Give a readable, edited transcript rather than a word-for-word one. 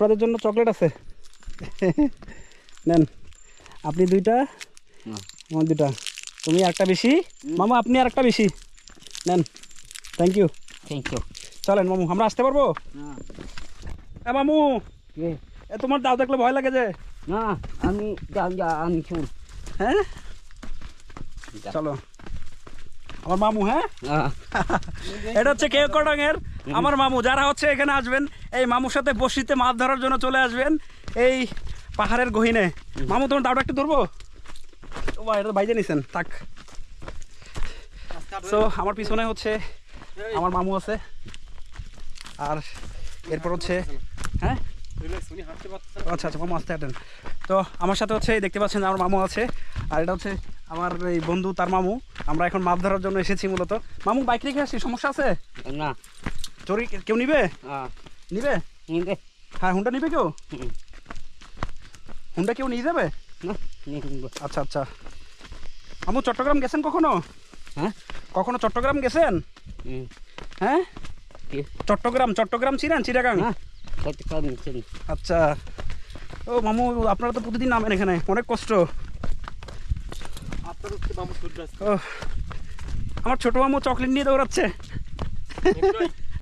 আপনাদের জন্য চকলেট আছে। নেন, আপনি দুইটা, আমার দুইটা, তুমি একটা বেশি, মামু আপনি আর একটা বেশি নেন। Thank you. চলেন মামু, আমরা আসতে পারবো? হ্যাঁ মামু, এ তোমার দাও দেখলে ভয় লাগে যে। না আমি আমি শুন। হ্যাঁ চলো, আমার মামু। হ্যাঁ এটা হচ্ছে কেওক্রডং-এর আমার মামু। যারা হচ্ছে এখানে আসবেন, এই মামুর সাথে বসিতে মাছ ধরার জন্য চলে আসবেন এই পাহাড়ের গহীনে। মামু তোমার দাওটা একটু ধরবো? ও ভাই, এটা তো বাইজে নিছেন, থাক। সো আমার পিছনে হচ্ছে আমার মামু আছে, আর এরপর হচ্ছে হ্যাঁ আচ্ছা আচ্ছা মামু আসতে হাঁটেন। তো আমার সাথে হচ্ছে দেখতে পাচ্ছেন আমার মামু আছে, আর এটা হচ্ছে আমার এই বন্ধু, তার মামু। আমরা এখন মাছ ধরার জন্য এসেছি মূলত। মামু বাইক রেখে আসছি, সমস্যা আছে? না চোরি কেউ নিবে? নিবে? হ্যাঁ হুন্ডা নিবে কেউ? হুন্ডা কেউ নিয়ে যাবে? আচ্ছা আচ্ছা। মামু চট্টগ্রাম গেছেন কখনো? হ্যাঁ কখনো চট্টগ্রাম গেছেন? হ্যাঁ চট্টগ্রাম চিনেন? চিটাগাং? আচ্ছা। ও মামু, আপনারা তো প্রতিদিন নামেন এখানে, অনেক কষ্ট। আমার ছোট মামু চকলেট নিয়ে দৌড়াচ্ছে।